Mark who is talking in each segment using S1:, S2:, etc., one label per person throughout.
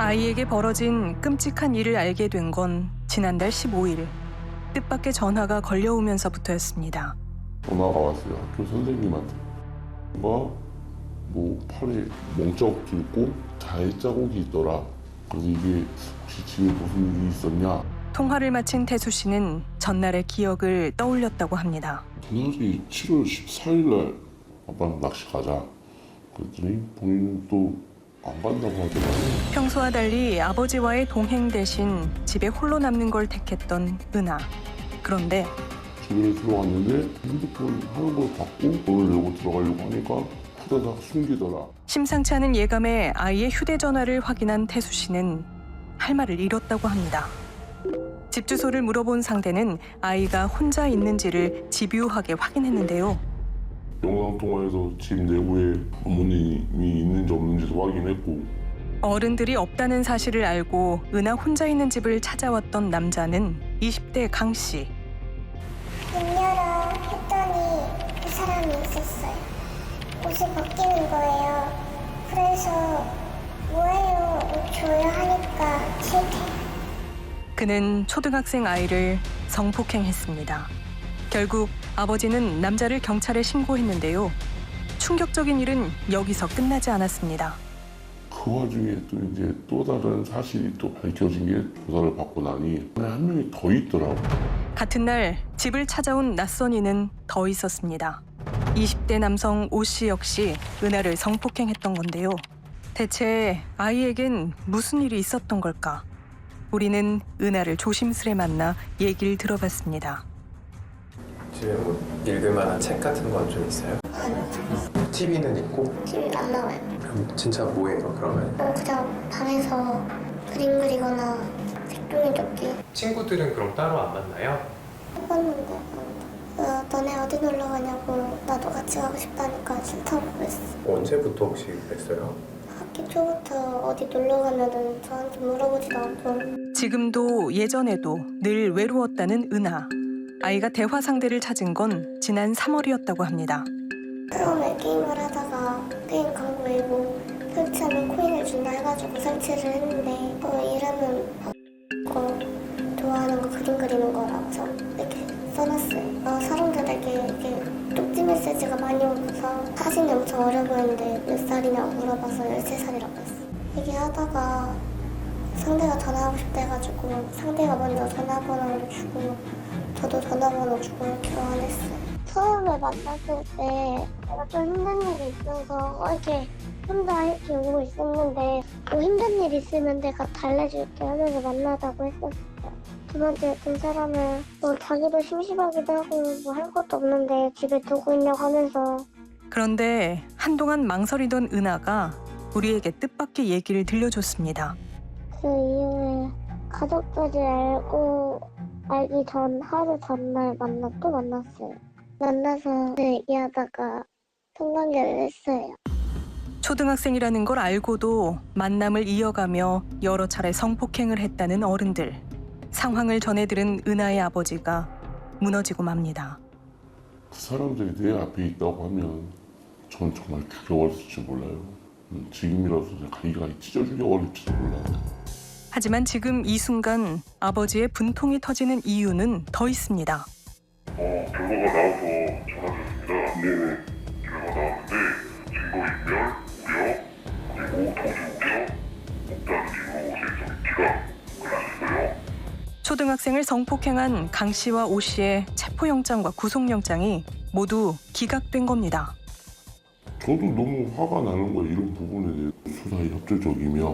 S1: 아이에게 벌어진 끔찍한 일을 알게 된 건 지난달 15일 뜻밖의 전화가 걸려오면서부터였습니다.
S2: 전화가 왔어요. 학교 선생님한테. 뭔가 팔에 멍자국도 있고 자해 자국이 있더라. 그래서 이게 혹시 집에 무슨 일이 있었냐?
S1: 통화를 마친 태수 씨는 전날의 기억을 떠올렸다고 합니다.
S2: 그날이 7월 14일 날 아빠는 낚시 가자. 그랬더니 본인은 또 안 간다고 하더라고요.
S1: 평소와 달리 아버지와의 동행 대신 집에 홀로 남는 걸 택했던 은하. 그런데
S2: 집에 들어갔는데 핸드폰 하는 걸 받고 돈을 내고 들어가려고 하니까 후다닥 숨기더라.
S1: 심상치 않은 예감에 아이의 휴대전화를 확인한 태수 씨는 할 말을 잃었다고 합니다. 집 주소를 물어본 상대는 아이가 혼자 있는지를 집요하게 확인했는데요.
S2: 영상통화에서 집 내부에 부모님이 있는지 없는지도 확인했고
S1: 어른들이 없다는 사실을 알고 은하 혼자 있는 집을 찾아왔던 남자는 20대 강 씨.
S3: 문 열어 했더니 그 사람이 있었어요. 옷을 벗기는 거예요. 그래서 뭐예요? 옷 줘요 하니까 싫대.
S1: 그는 초등학생 아이를 성폭행했습니다. 결국 아버지는 남자를 경찰에 신고했는데요. 충격적인 일은 여기서 끝나지 않았습니다.
S2: 그 와중에 또 이제 또 다른 사실이 또 밝혀진 게 조사를 받고 나니 한 명이 더 있더라고.
S1: 같은 날 집을 찾아온 낯선 이는 더 있었습니다. 20대 남성 오 씨 역시 은하를 성폭행했던 건데요. 대체 아이에겐 무슨 일이 있었던 걸까? 우리는 은하를 조심스레 만나 얘기를 들어봤습니다.
S4: 집에 뭐 읽을 만한 책 같은 건 좀 있어요?
S3: 아니요.
S4: TV는 있고?
S3: TV는 안 나와요.
S4: 그럼 진짜 뭐예요 그러면?
S3: 그냥 방에서 그림 그리거나 색종이 접기
S4: 친구들은 그럼 따로 안 만나요?
S3: 해봤는데 너네 어디 놀러 가냐고 나도 같이 가고 싶다니까 싫다고 그랬어.
S4: 언제부터 혹시 그랬어요?
S3: 학기 초부터 어디 놀러 가면은 저한테 물어보지도 않고.
S1: 지금도 예전에도 늘 외로웠다는 은하. 아이가 대화 상대를 찾은 건 지난 3월이었다고 합니다.
S3: 처음에 게임을 하다가 게임 광고에 뭐 설치하면 코인을 준다 해가지고 설치를 했는데 이름은 좋아하는 거 그림 그리는 거라고 이렇게 써놨어요. 사람들에게 이렇게 쪽지 메시지가 많이 오면서 사진이 엄청 어려 보이는데 몇 살이냐고 물어봐서 13살이라고 했어. 얘기하다가 상대가 전화하고 싶다 해가지고 상대가 먼저 전화번호를 주고 저도 전화번호 주고 이렇게 교환했어요. 처음에 만났을 때 제가 좀 힘든 일이 있어서 이렇게 혼자 이렇게 오고 있었는데 뭐 힘든 일 있으면 내가 달래줄게 하면서 만나자고 했었어요. 두 번째 든 사람은 뭐 자기도 심심하기도 하고 뭐 할 것도 없는데 집에 두고 있냐고 하면서.
S1: 그런데 한동안 망설이던 은하가 우리에게 뜻밖의 얘기를 들려줬습니다.
S3: 그 이후에 가족들이 알기 전 하루 전날 만났어요. 만나서 얘기하다가 성관계를 했어요.
S1: 초등학생이라는 걸 알고도 만남을 이어가며 여러 차례 성폭행을 했다는 어른들. 상황을 전해들은 은하의 아버지가 무너지고 맙니다.
S2: 그 사람들이 내 앞에 있다고 하면 전 정말 죽여버렸을지 몰라요. 지금이라도 가기가 찢어 죽여버릴지도 몰라요.
S1: 하지만 지금 이 순간 아버지의 분통이 터지는 이유는 더 있습니다.
S2: 결과가 나와서 전화드렸습니다. 네네. 결과가 나왔는데 증거인멸, 무력, 그리고 도주우려, 없다는 이유로 실성기가 그랬어요.
S1: 초등학생을 성폭행한 강 씨와 오 씨의 체포영장과 구속영장이 모두 기각된 겁니다.
S2: 저도 너무 화가 나는 거예요. 이런 부분에 대해 수사에 협조적이며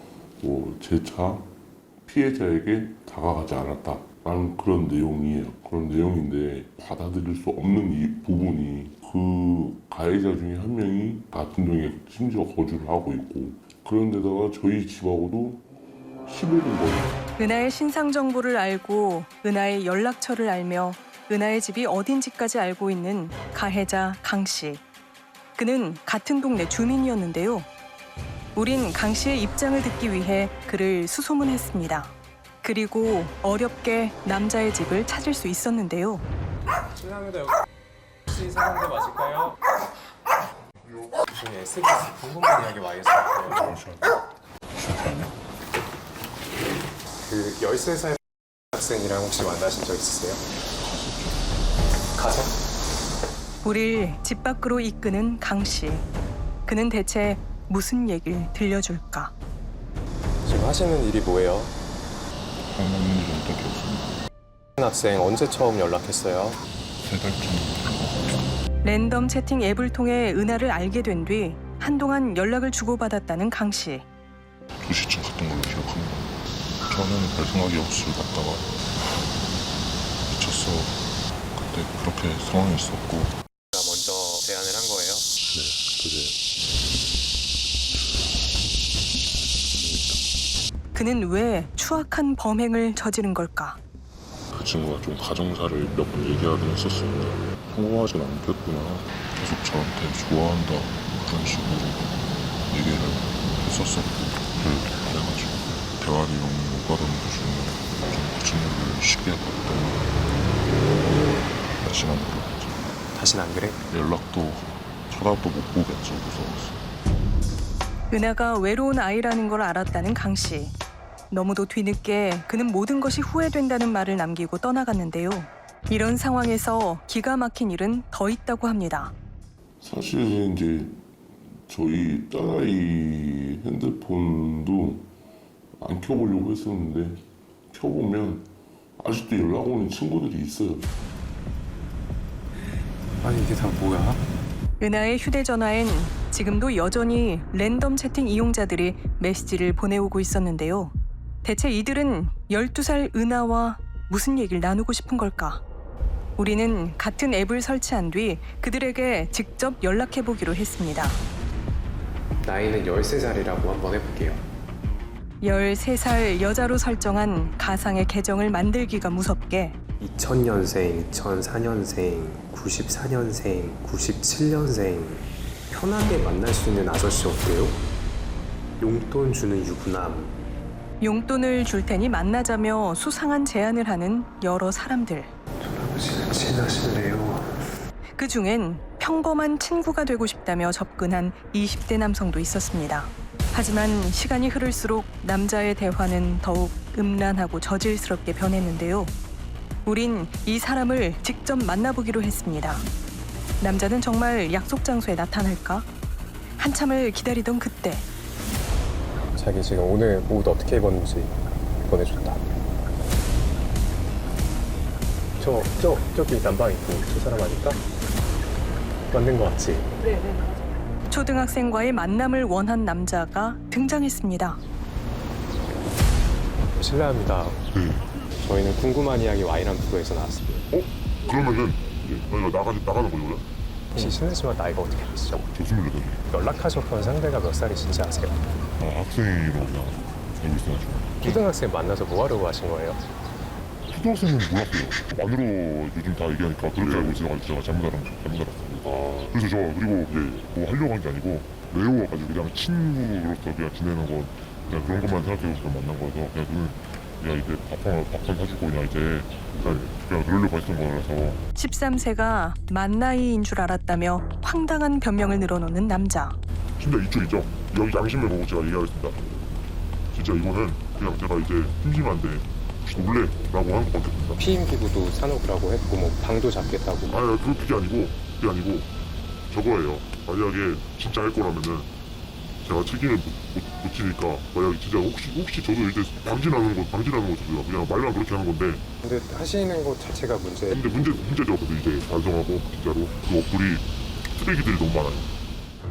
S2: 재차 피해자에게 다가가지 않았다라는 그런 내용이에요. 그런 내용인데 받아들일 수 없는 이 부분이 그 가해자 중에 한 명이 같은 동에 심지어 거주를 하고 있고 그런데다가 저희 집하고도 15분 거리.
S1: 은하의 신상 정보를 알고 은하의 연락처를 알며 은하의 집이 어딘지까지 알고 있는 가해자 강 씨. 그는 같은 동네 주민이었는데요. 우린 강 씨의 입장을 듣기 위해 그를 수소문했습니다. 그리고 어렵게 남자의 집을 찾을 수 있었는데요.
S4: 죄송합니다. 혹시 사람들 마실까요? 저희 SBS 궁금한 이야기 많이 했어요.
S2: 잠시만요.
S4: 그 13살 학생이랑 혹시 만나신 적 있으세요? 가서?
S1: 우릴 집 밖으로 이끄는 강 씨. 그는 대체 무슨 얘기를 들려줄까?
S4: 지금 하시는 일이 뭐예요?
S2: 하는 일은 딱히 없습니다.
S4: 학생 언제 처음 연락했어요?
S2: 3달쯤.
S1: 랜덤 채팅 앱을 통해 은하를 알게 된 뒤 한동안 연락을 주고받았다는 강 씨.
S2: 2시쯤 갔던 걸로 기억합니다. 처음에는 별 생각이 없이 갔다가 미쳤어. 그때 그렇게 상황이 있었고.
S4: 먼저 제안을 한 거예요?
S2: 네, 그게
S1: 그는 왜 추악한 범행을 저지른 걸까?
S2: 그 친구가 좀 가정사를 몇 번 얘기하긴 했었습니다. 성공하진 않겠구나. 계속 저한테 좋아한다. 그런 식으로 얘기를 했었었고. 그래가지고 대화를 너무 오가던 도중에 좀 그 친구를 쉽게 봤더니 다시는 안 그러겠죠.
S4: 다신 안 그래?
S2: 연락도 쳐다도 못 보겠죠. 무서워서.
S1: 은하가 외로운 아이라는 걸 알았다는 강 씨. 너무도 뒤늦게 그는 모든 것이 후회된다는 말을 남기고 떠나갔는데요. 이런 상황에서 기가 막힌 일은 더 있다고 합니다.
S2: 사실 이제 저희 딸아이 핸드폰도 안 켜보려고 했었는데 켜보면 아직도 연락 오는 친구들이 있어요.
S4: 아니 이게 다 뭐야?
S1: 은하의 휴대전화엔 지금도 여전히 랜덤 채팅 이용자들이 메시지를 보내오고 있었는데요. 대체 이들은 12살 은하와 무슨 얘기를 나누고 싶은 걸까? 우리는 같은 앱을 설치한 뒤 그들에게 직접 연락해보기로 했습니다.
S4: 나이는 13살이라고 한번 해볼게요.
S1: 13살 여자로 설정한 가상의 계정을 만들기가 무섭게
S4: 2000년생, 2004년생, 94년생, 97년생 편하게 만날 수 있는 아저씨 어때요? 용돈 주는 유부남.
S1: 용돈을 줄 테니 만나자며 수상한 제안을 하는 여러 사람들.
S4: 할아버지는 친하실래요?
S1: 그 중엔 평범한 친구가 되고 싶다며 접근한 20대 남성도 있었습니다. 하지만 시간이 흐를수록 남자의 대화는 더욱 음란하고 저질스럽게 변했는데요. 우린 이 사람을 직접 만나보기로 했습니다. 남자는 정말 약속 장소에 나타날까? 한참을 기다리던 그때
S4: 자기 지금 오늘 옷 어떻게 입었는지 보내줬다. 저기 난방 입고 저 사람 아닐까? 맞는 거 같지?
S1: 초등학생과의 만남을 원한 남자가 등장했습니다.
S4: 실례합니다. 저희는 궁금한 이야기 Y란 프로에서 나왔습니다.
S2: 그러면은 저희가 나가는 거죠?
S4: 혹시 실례지만 나이가 어떻게 되시죠?
S2: 저 28.
S4: 연락하셨던 상대가 몇 살이신지 아세요?
S2: 학생으로 그냥 알고 있어가지고.
S4: 초등학생 만나서 뭐 하려고 하신 거예요?
S2: 초등학생은 몰랐어요. 안으로 요즘 다 얘기하니까 그렇게 알고 있어가지고 제가 잘못 알았어요. 그래서 저 그리고 이제 뭐 하려고 한 게 아니고 외로워가지고 그냥 친구로서 그냥 지내는 건 그냥 그런 것만 생각해서 만난 거여서 그냥 그는 그냥 이제 밥한 사주고 그냥 이제 그냥 그러려고 했던 거라서.
S1: 13세가 만 나이인 줄 알았다며 황당한 변명을 늘어놓는 남자.
S2: 진짜 이쪽 있죠? 여기 양심을 보고 제가 얘기하겠습니다. 진짜 이거는 그냥 제가 이제 심심한데 혹시 놀래라고 한 것밖에 없습니다.
S4: 피임 기구도 사놓으라고 했고 뭐 방도 잡겠다고.
S2: 아니 그게 아니고 저거예요. 만약에 진짜 할 거라면은 제가 책임을 못 지니까 만약에 진짜 혹시 저도 이제 방지하는 거죠. 그냥 말만 그렇게 하는 건데.
S4: 근데 하시는 것 자체가 문제.
S2: 근데 문제죠. 근데 이제 반성하고 진짜로 그 어플이 쓰레기들이 너무 많아요.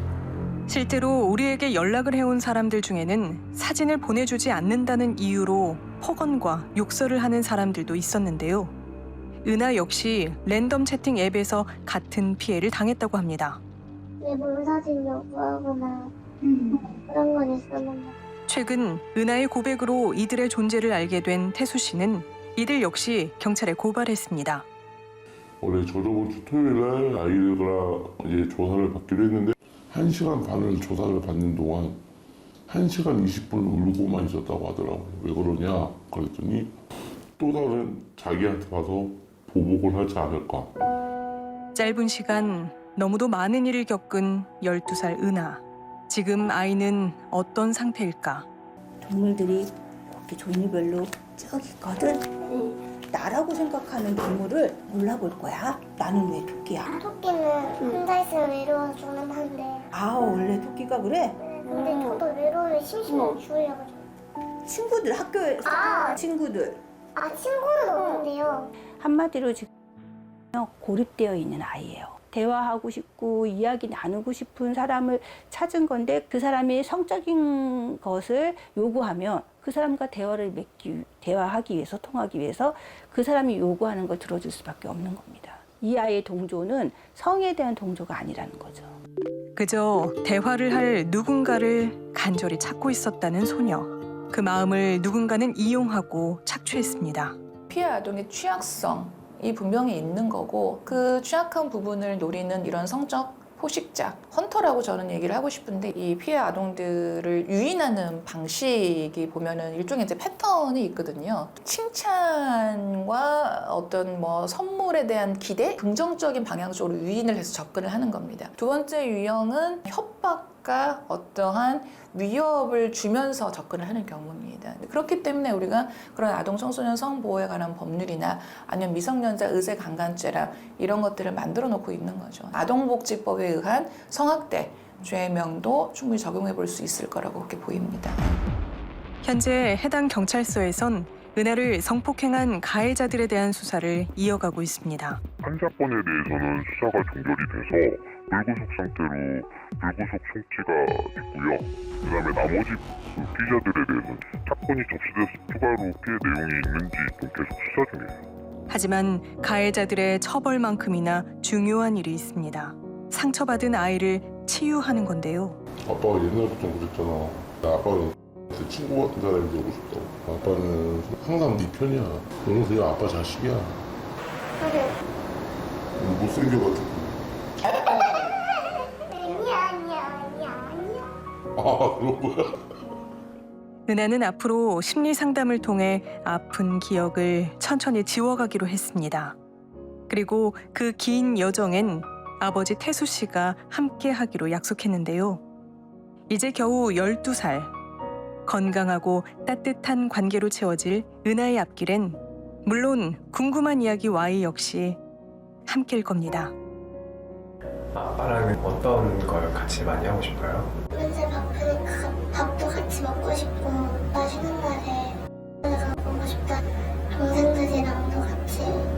S1: 실제로 우리에게 연락을 해온 사람들 중에는 사진을 보내주지 않는다는 이유로 폭언과 욕설을 하는 사람들도 있었는데요. 은하 역시 랜덤 채팅 앱에서 같은 피해를 당했다고 합니다.
S3: 내 몸 사진 요구하거나 그런 건 있었는데
S1: 최근 은하의 고백으로 이들의 존재를 알게 된 태수 씨는 이들 역시 경찰에 고발했습니다.
S2: 원래 저저번 주 토요일 날 아이들과 이제 조사를 받기로 했는데 1시간 반을 조사를 받는 동안 1시간 20분을 울고만 있었다고 하더라고요. 왜 그러냐 그랬더니 또 다른 자기한테 가서 보복을 하지 않을까.
S1: 짧은 시간 너무도 많은 일을 겪은 12살 은하. 지금 아이는 어떤 상태일까?
S5: 동물들이 그렇게 종류별로 저기 있거든. 나라고 생각하는 동물을 골라볼 거야. 나는 왜 토끼야?
S3: 토끼는 혼자 있으면 외로워 죽는 한데.
S5: 아, 원래 토끼가 그래?
S3: 근데 저도 외로우면 심심해서 죽으려고.
S5: 친구들, 학교에
S3: 아.
S5: 친구들.
S3: 친구는 없는데요.
S6: 한마디로 지금 고립되어 있는 아이예요. 대화하고 싶고 이야기 나누고 싶은 사람을 찾은 건데 그 사람이 성적인 것을 요구하면 그 사람과 대화하기 위해서 통하기 위해서 그 사람이 요구하는 걸 들어줄 수밖에 없는 겁니다. 이 아이의 동조는 성에 대한 동조가 아니라는 거죠.
S1: 그저 대화를 할 누군가를 간절히 찾고 있었다는 소녀. 그 마음을 누군가는 이용하고 착취했습니다.
S7: 피해 아동의 취약성이 분명히 있는 거고 그 취약한 부분을 노리는 이런 성적 포식자, 헌터라고 저는 얘기를 하고 싶은데 이 피해 아동들을 유인하는 방식이 보면은 일종의 이제 패턴이 있거든요. 칭찬과 어떤 뭐 선물에 대한 기대, 긍정적인 방향 쪽으로 유인을 해서 접근을 하는 겁니다. 두 번째 유형은 협박과 어떠한 위협을 주면서 접근을 하는 경우입니다. 그렇기 때문에 우리가 그런 아동 청소년 성보호에 관한 법률이나 아니면 미성년자 의제 강간죄라 이런 것들을 만들어 놓고 있는 거죠. 아동복지법에 의한 성학대 죄명도 충분히 적용해 볼 수 있을 거라고 그렇게 보입니다.
S1: 현재 해당 경찰서에선 은하를 성폭행한 가해자들에 대한 수사를 이어가고 있습니다.
S8: 한 사건에 대해서는 수사가 종결이 돼서 불구속 상태로 불구속 송치가 있고요. 그다음에 나머지 피의자들에 대해서는 사건이 접수돼서 추가로 피해 내용이 있는지 좀 계속 수사 중이에요.
S1: 하지만 가해자들의 처벌만큼이나 중요한 일이 있습니다. 상처받은 아이를 치유하는 건데요.
S2: 아빠가 옛날부터 그랬잖아. 아빠는 내 친구 같은 사람이 되고 싶다고. 아빠는 항상 네 편이야. 너는 그냥 아빠 자식이야.
S3: 그래.
S2: 못생겨가지고.
S3: 아니야.
S2: 아, 그런 거야?
S1: 은하는 앞으로 심리 상담을 통해 아픈 기억을 천천히 지워가기로 했습니다. 그리고 그 긴 여정엔 아버지 태수 씨가 함께 하기로 약속했는데요. 이제 겨우 12살. 건강하고 따뜻한 관계로 채워질 은하의 앞길엔 물론 궁금한 이야기 Y 역시 함께일 겁니다.
S4: 아빠랑은 어떤 걸 같이 많이 하고 싶어요?
S3: 맨날 바쁘니까 밥도 같이 먹고 싶고 맛있는 날에 내가 보고 싶다. 동생들이랑도 같이